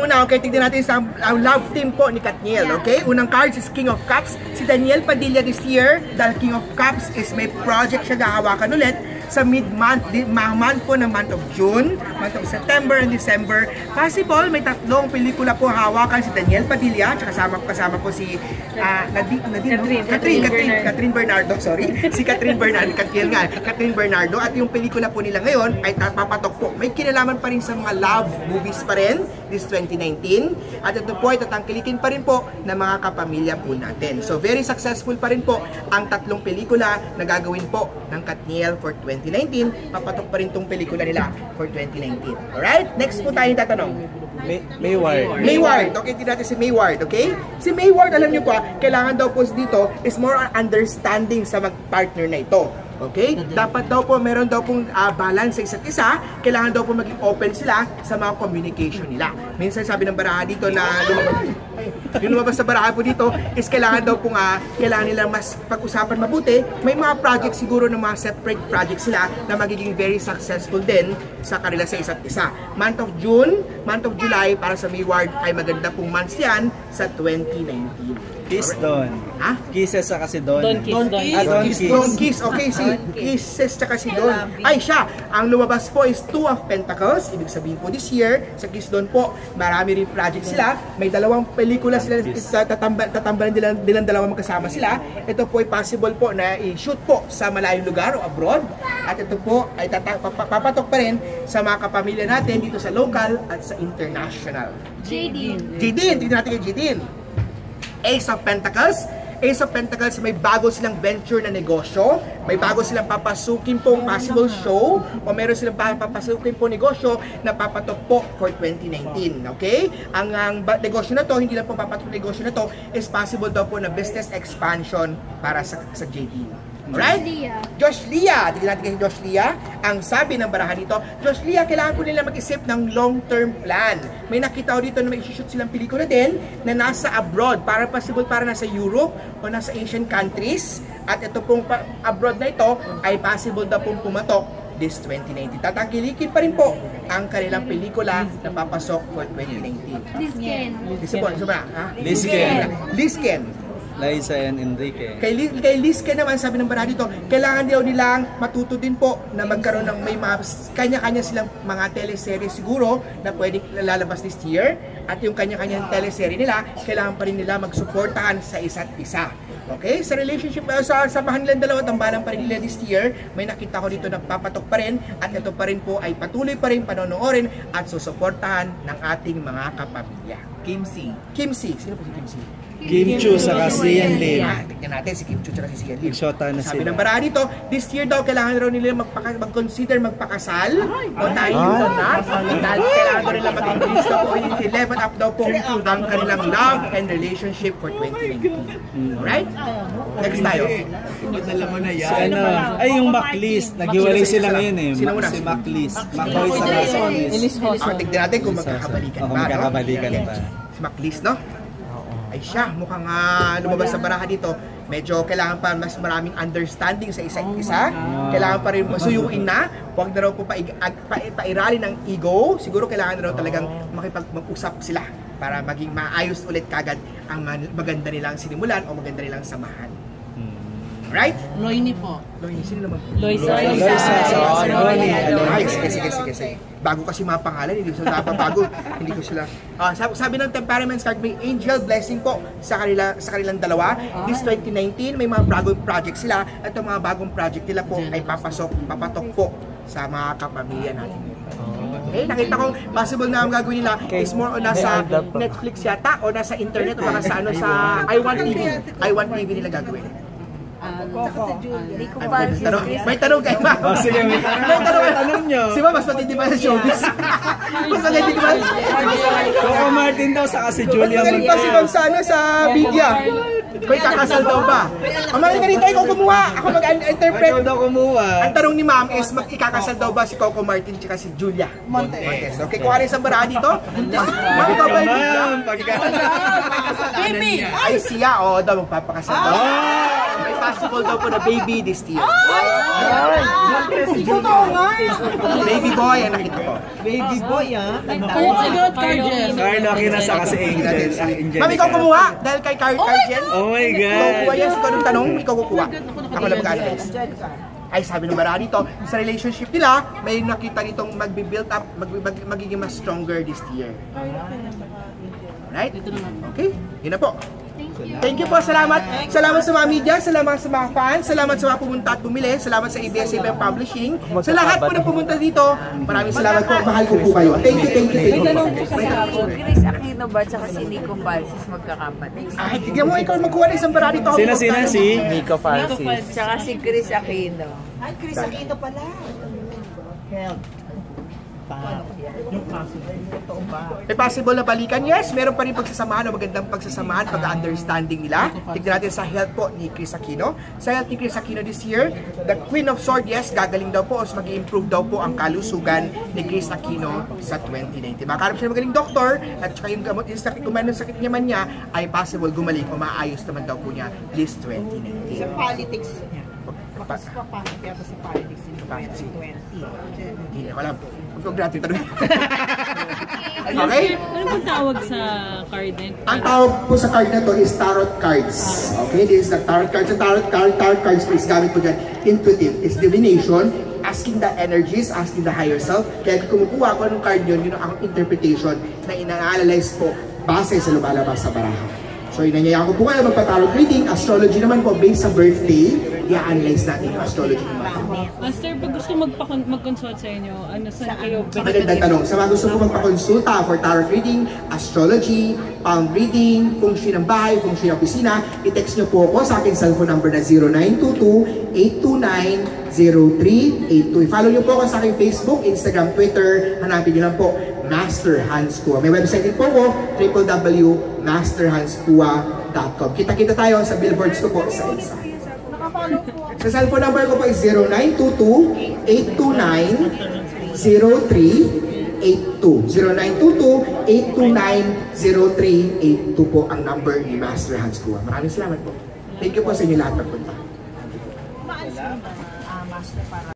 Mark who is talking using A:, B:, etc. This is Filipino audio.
A: Una, okay, tignan natin sa love team po ni Katniel, okay? Unang cards is King of Cups. Si Daniel Padilla this year, dahil King of Cups is may project siya gahawakan ulit sa mid-month, month po ng month of June, month of September and December. Possible, may tatlong pelikula po hawakan si Daniel Padilla, at kasama po si Catherine Bernardo, sorry. Si Catherine Bernardo, Katniel nga, Catherine Bernardo. At yung pelikula po nila ngayon ay papatok po. May kinalaman pa rin sa mga love movies pa rin, this 2019. At ito po ay tatangkilikin pa rin po ng mga kapamilya po natin. So very successful pa rin po ang tatlong pelikula na gagawin po ng Katniel for 2019. Papatok pa rin tong pelikula nila for 2019. Alright? Next po tayo tatanong. Mayward. Okay, tignan natin si Mayward, okay? Si Mayward, alam niyo pa, kailangan daw po dito is more on understanding sa mag-partner na ito. Okay? Dapat daw po, meron daw pong balance sa isa't isa. Kailangan daw po maging open sila sa mga communication nila. Minsan sabi ng baraha dito na lumabas sa baraha po dito is kailangan daw pong kailangan nila mas pag-usapan mabuti. May mga project siguro ng mga separate projects sila na magiging very successful din sa kanila sa isa't isa. Month of June, month of July para sa Mayward ay maganda pong months yan sa 2019.
B: Kiss Don.
A: Ha?
B: Kisses sa kasi Don.
A: Don Kiss. Okay, si Kisses tsaka si Don. Ay siya, ang lumabas po is Two of Pentacles. Ibig sabihin po this year, sa Kiss Don po, marami rin project sila. May dalawang pelikula sila, tatambalan nilang dalawang magkasama sila. Ito po ay possible po na i-shoot po sa malayong lugar o abroad. At ito po ay papatok pa rin sa mga kapamilya natin dito sa local at sa international.
C: Jadine,
A: tignan natin kay Jadine. Ace of Pentacles. Ace of Pentacles, may bago silang venture na negosyo, may bago silang papasukin pong possible show, o meron silang papasukin pong negosyo na papatok po for 2019. Okay? Ang negosyo na to, hindi lang po papatok negosyo na to, is possible daw po na business expansion para sa JD. Alright? Josh Lia. Tignan natin kay Josh Lia. Ang sabi ng baraha dito, Josh Lia, kailangan po nila mag-isip ng long-term plan. May nakita ko dito na may shoot silang pelikula din na nasa abroad. Para possible para nasa Europe o nasa Asian countries. At ito pong abroad na ito ay possible daw pong pumatok this 2019. Tatangkilikin pa rin po ang kanilang pelikula na papasok for 2019. Lisken.
B: Liza and Enrique.
A: Kay Lisken naman, sabi ng baraha dito, kailangan daw nilang matuto din po na magkaroon ng may mga kanya-kanya silang mga teleserye siguro na pwedeng lalabas this year. At yung kanya-kanyang teleserye nila, kailangan pa rin nila magsuportahan sa isa't isa. Okay? Sa relationship, sa samahan nilang dalawa, tambalan pa rin nila this year, may nakita ko dito na papatok pa rin at ito pa rin po ay patuloy pa rin panonoorin at susuportahan ng ating mga kapamilya. Kim C. Sino po si Kim C?
B: Kim Chu sa Sian Lim.
A: Tignan natin si Kim Chu sa Sian Lim.
B: Sabi
A: ng baraha dito, this year daw kailangan raw nila mag-consider magpakasal. O tayo na. Kailangan daw nila mag-increase daw po, level up daw po ang kanilang love and relationship for 2019. Alright? Next tayo.
B: Ay, yung Maclis. Naghiwalay sila ngayon eh.
A: Sino muna?
B: Si Maclis. Makoy sa Rasones.
A: Tignan natin kung magkakabalikan ba. Si Maclis, no? Ay siya, mukhang lumabas sa baraha dito. Medyo kailangan pa mas maraming understanding sa isa't isa. Kailangan pa rin masuyuin na. Huwag na raw po pairali ng ego. Siguro kailangan na raw talagang makipag-usap sila para maging maayos ulit kagad ang maganda nilang sinimulan o maganda nilang samahan. Right?
C: Loini po.
A: Loini, sino naman?
C: Loisa.
A: Sige. Bago kasi mga pangalan, hindi ko sila bago. Hindi ko sila. Sabi ng temperaments card, may angel blessing po sa kanilang dalawa. This 2019, may mga bagong project sila. At ang mga bagong project nila po ay papatok po sa mga kapamilya natin. Okay, nakita ko possible na ang gagawin nila is more on nasa Netflix yata o nasa internet o sa iWant TV nila gagawin. May tanong kayo ba?
B: Sige, may tanong nyo.
A: Si ba mas matindi ba sa showbiz? Mas matindi ba?
B: Coco Martin daw sa kasi Julia.
A: Mas magaling pa si Ma'am Sana sa media. May kakasal daw ba? Amarin ka rito, ikaw kumuha. Ako mag-interpret.
B: Ikaw daw kumuha.
A: Ang tanong ni Ma'am is, ikakasal daw ba si Coco Martin at si Julia Montes? Okay, kuha rin sa bara dito. Ma'am, ikaw ba yung bigla? Ay siya, daw magpapakasal daw. possible daw po na baby this year. Baby boy ang nakita ko.
B: Baby boy, ah.
C: Carlo Aquino kasi Angel.
A: Ma'am, ikaw kumuha dahil kay Cargen.
C: Oh my
A: Ikaw
C: God.
A: kukuha yan. Ikaw nung tanong, ikaw kukuha. Ako lang mag-analyze. Ay, sabi ng marami dito, sa relationship nila, may nakita nitong magbi-build up, magiging mas stronger this year. Right? Okay, yun na po. Thank you po, salamat. Salamat sa mga media, salamat sa mga fans, salamat sa mga pumunta at bumili, salamat sa ABS-CBN Publishing. Sa lahat po na pumunta dito, maraming salamat po. Mahal ko po kayo. Thank you, thank you, thank you.
D: Chris Aquino ba tsaka si Nico Falsis magkakapatid?
A: Ay, tignan mo, ikaw magkuha na isang barari to.
C: Sino si Nico Falsis?
D: Tsaka si Chris Aquino.
E: Ay, Chris Aquino pala.
A: May possible na balikan? Yes, meron pa rin pagsasamahan o magandang pagsasamahan, pag-understanding nila. Tignan natin sa health po ni Chris Aquino. Sa health ni Chris Aquino this year, the Queen of Swords, yes, gagaling daw po o mag-improve daw po ang kalusugan ni Chris Aquino sa 2019. Makakarap siya magaling doktor at saka yung gamot, yung sakit, kung mayroon sakit naman niya, ay possible gumaling o maayos naman daw po niya this 2019.
E: Sa politics niya. Papasok kaya sa politics in 2020.
A: Hindi ko alam. Huwag natin tanong. Okay?
F: Ano bang tawag sa card din?
A: Ang tawag po sa card na to is tarot cards. Okay, this is the tarot cards. Ang tarot cards po is gamit po dyan, intuitive. It's divination, asking the energies, asking the higher self. Kaya kumukuha ko ng card yun ang interpretation na ina-analyze po base sa lumalabas sa baraha. So, inanyayaan ko po kayo magpa-tarot reading. Astrology naman po, based sa birthday, i-analyze natin yung astrology naman.
F: Master, pag gusto mag-consult sa inyo, ano saan kayo?
A: Magandang tanong. Sa mga gusto po magpa-consulta for tarot reading, astrology, palm reading, feng shui ng bahay, feng shui ng opisina, i-text nyo po ako sa aking cellphone number na 0922-829-0382. I-follow nyo po ako sa aking Facebook, Instagram, Twitter. Hanapin nyo lang po, Master Hans Kua. May website din po ko, www.masterhanskua.com. Kita-kita tayo sa billboards ko po sa isa. Sa cellphone number ko po is 0922-829-0382. 0922-829-0382 po ang number ni Master Hans Kua. Maraming salamat po. Thank you po sa inyo lahat ng punta.